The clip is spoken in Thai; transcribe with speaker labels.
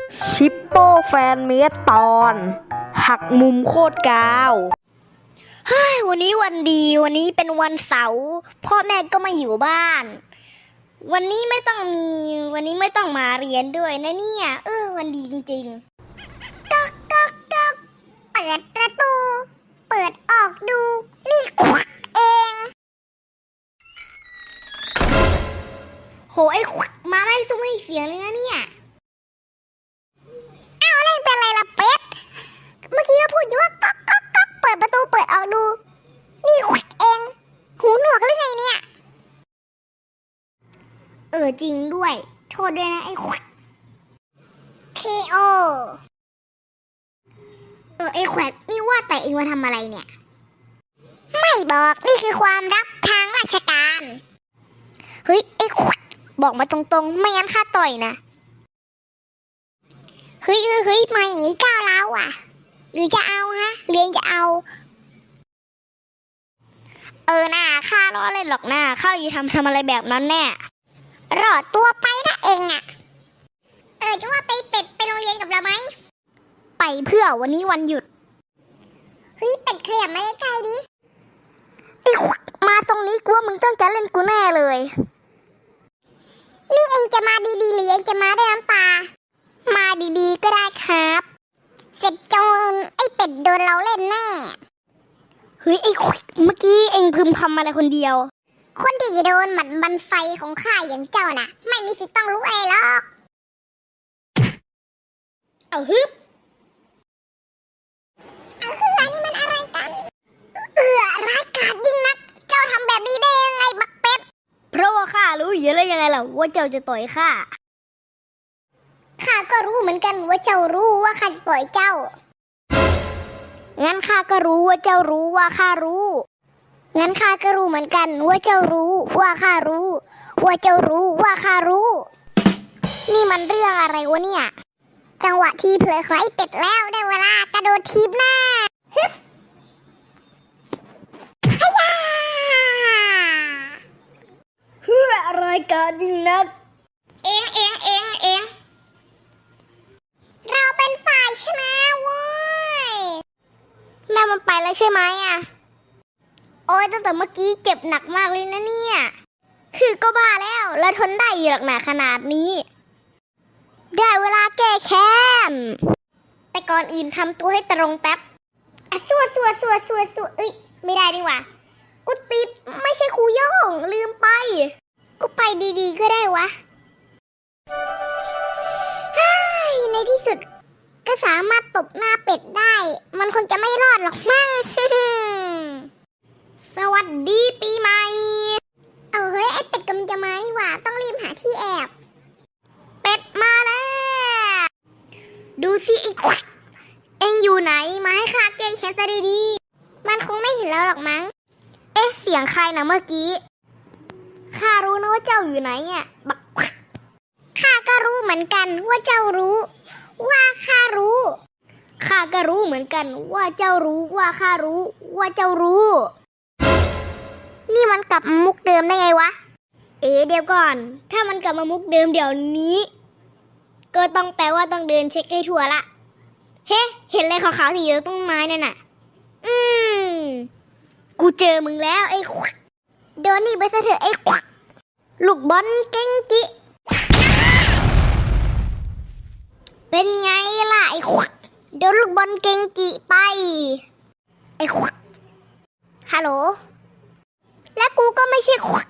Speaker 1: ชิปโป้แฟนเมดตอนหักมุมโคตรกาววันนี้วันดีวันนี้เป็นวันเสาร์พ่อแม่ก็มาอยู่บ้านวันนี้ไม่ต้องมาเรียนด้วยนะเนี่ยวันดีจริงๆก๊อกก๊อกก๊อกเปิดประตูเปิดออกดูนี่ควักเองโหไอ้ควักมาไม่ซุ้มให้เสียงเลยนะเนี่ยอ้าวเล่นเป็นไรล่ะเป็ดเมื่อกี้ก็พูดอยู่ว่าก๊อกก๊อกก๊อกเปิดประตูเปิดออกดูนี่ควักเองหูหนวกหรือไงเนี่ยจริงด้วยโทษด้วยนะไอ้ควักKOไอ้แขวดนี่ว่าแต่เองมาทำอะไรเนี่ยไม่บอกนี่คือความลับทางราชการเฮ้ยไอ้แขวดบอกมาตรงๆไม่งั้นข้าต่อยนะเฮ้ยมาอย่างนี้ก้าวร้าวอ่ะหรือจะเอาฮะเรียนจะเอาน่าข้าล้อเล่นหรอกนะข้าอยู่ทำอะไรแบบนั้นแน่รอดตัวไปนะเองอ่ะจะว่าไปเป็ดไปโรงเรียนกับเราไหมไปเพื่อวันนี้วันหยุดเฮ้ยเป็ดขยับมาใกล้ๆดิไอ้มาตรงนี้กูว่ามึงต้องจะเล่นกูแน่เลยนี่เองจะมาดีๆหรือเองจะมาด้วยน้ำตามาดีๆก็ได้ครับเสร็จจนไอ้เป็ดโดนเราเล่นแน่เฮ้ยไอ้เมื่อกี้เองพึมพำอะไรคนเดียวคนที่โดนหมัดบันไฟของข้าอย่างเจ้าน่ะไม่มีสิทธิ์ต้องรู้เองหรอกเอาฮึบอันนี้มันอะไรกันร้ายกาจยิ่งนักเจ้าทำแบบนี้ได้ยังไงบักเป็ดเพราะว่าข้ารู้อยู่แล้วยังไงล่ะว่าเจ้าจะต่อยข้าก็รู้เหมือนกันว่าเจ้ารู้ว่าข้าจะต่อยเจ้างั้นข้าก็รู้ว่าเจ้ารู้ว่าข้ารู้งั้นข้าก็รู้เหมือนกันว่าเจ้ารู้ว่าข้ารู้ว่าเจ้ารู้ว่าข้ารู้นี่มันเรื่องอะไรวะเนี่ยจังหวะที่เผลอของไอ้เป็ดแล้วได้เวลากระโดดทีบหน้าฮึบฮ่ายาเพื่ออะไรกันยิ่งนักเองเราเป็นฝ่ายชนะเว้ยแม่มันไปแล้วใช่ไหมอ่ะโอ้ยตั้งแต่เมื่อกี้เจ็บหนักมากเลยนะเนี่ยคือก็บ้าแล้วทนได้อยู่หรอกหนาขนาดนี้ได้เวลาแก้แค้นแต่ก่อนอื่นทำตัวให้ตรงแป๊บสัวไม่ได้ดีกว่ากูติดไม่ใช่ครูโย่งลืมไปกูไปดีๆก็ได้วะในที่สุดก็สามารถตบหน้าเป็ดได้มันคงจะไม่รอดหรอกมั้ง สวัสดีปีใหม่เฮ้ยไอเป็ดกำลังจะมานี่หว่าต้องรีบหาที่แอบเป็ดมาแล้วดูสิไอ้ควักเอ็งอยู่ไหนมาให้ข้าแก้แค้นซะดีๆมันคงไม่เห็นแล้วหรอกมั้งเสียงใครนะเมื่อกี้ข้ารู้นะว่าเจ้าอยู่ไหนเนี่ยบักข้าก็รู้เหมือนกันว่าเจ้ารู้ว่าข้ารู้ข้าก็รู้เหมือนกันว่าเจ้ารู้ว่าข้ารู้ว่าเจ้ารู้นี่มันกลับมามุกเดิมได้ไงวะเดี๋ยวก่อนถ้ามันกลับมามุกเดิมเดี๋ยวนี้ก็ต้องแปลว่าต้องเดินเช็คให้ทั่วละเฮ้เห็นอะไรขาวๆที่อยู่ตรงไม้นั่นน่ะกูเจอมึงแล้วไอ้ควักโดนนี่ไปซะเถอะไอ้ควักลูกบอลเก่งจิเป็นไงล่ะไอ้ควักโดนลูกบอลเก่งจิไปไอ้ควักฮัลโหลและกูก็ไม่ใช่ควัก